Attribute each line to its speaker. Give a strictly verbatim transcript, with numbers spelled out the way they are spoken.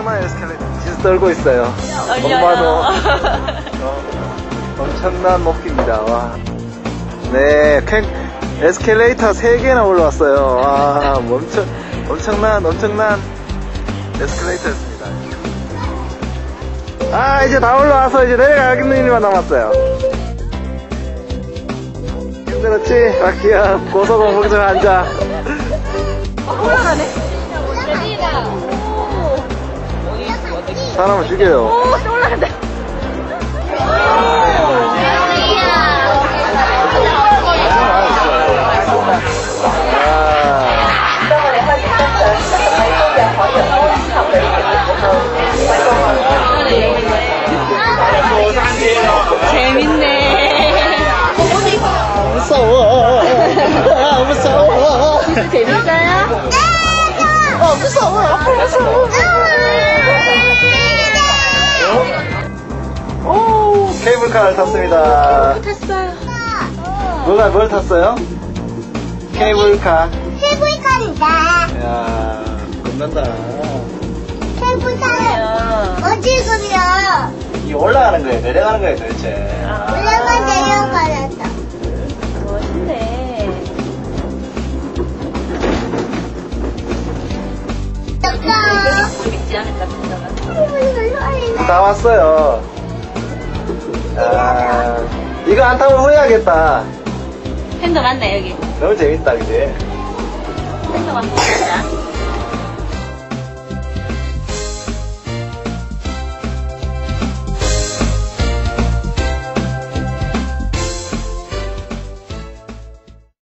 Speaker 1: 엄청난 에스컬레이터 진짜 떨고 있어요. 엄마도 어, 엄청난 높이입니다. 와. 네, 캔, 에스컬레이터 세 개나 올라왔어요. 와, 엄청, 엄청난, 엄청난 에스컬레이터였습니다. 아, 이제 다 올라와서 이제 내려가는 일만 남았어요. 힘들었지? 바퀴야, 고소공포증 환자.
Speaker 2: 올라가네.
Speaker 1: 사람을 죽여요.
Speaker 2: 오, 또 올라간다. 재밌네.
Speaker 1: 무서워. 아, 무서워.
Speaker 2: 진짜 재밌어요?
Speaker 1: 아, 무서워. 무서워. 오, 케이블카를 탔습니다.
Speaker 2: 탔어요.
Speaker 1: 뭐가, 뭘 탔어요? 케이블카.
Speaker 3: 케이블카입니다.
Speaker 1: 이야, 겁난다.
Speaker 3: 케이블카는 어디 가요?
Speaker 1: 이 올라가는 거예요? 내려가는 거예요, 도대체?
Speaker 3: 올라가 내려가야죠.
Speaker 2: 멋있네. 재밌지 않을까, 진짜가.
Speaker 1: 다 왔어요. 아, 이거 안 타면 후회하겠다.
Speaker 2: 팬더 맞나, 여기?
Speaker 1: 너무 재밌다, 그지?
Speaker 2: 팬더 맞나?